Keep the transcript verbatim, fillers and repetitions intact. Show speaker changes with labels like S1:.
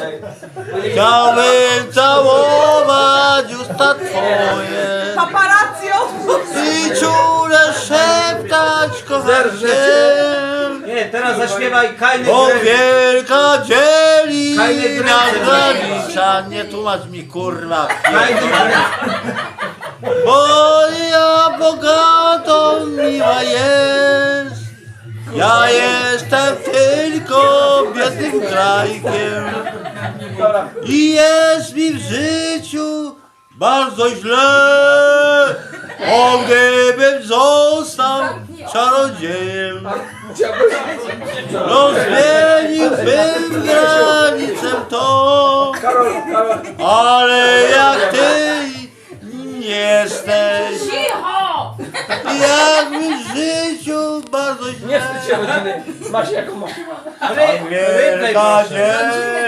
S1: Chciałbym całować usta twoje
S2: Paparazzi odpuść!
S1: i czule szeptać kocham cię.
S3: Nie, teraz zaśpiewaj Kajny
S1: Bo
S3: Grek.
S1: wielka dzieli
S3: Kajny
S1: nas
S3: Grek.
S1: granica. Nie tłumacz mi kurwa.
S3: Kajny Grek.
S1: Bo ja bogatą miła jest. Ja jestem tylko biednym krajkiem. I jest mi w życiu bardzo źle. O, gdybym został czarodziejem, rozmieniłbym granicę tą. Ale jak ty nie jesteś,
S2: Cicho!
S1: jak mi w życiu bardzo źle.
S4: Nie wstydź się rodziny. Masz jaką masz.
S3: Ry- Rypej
S1: Wielka
S3: proszę.
S1: dzień.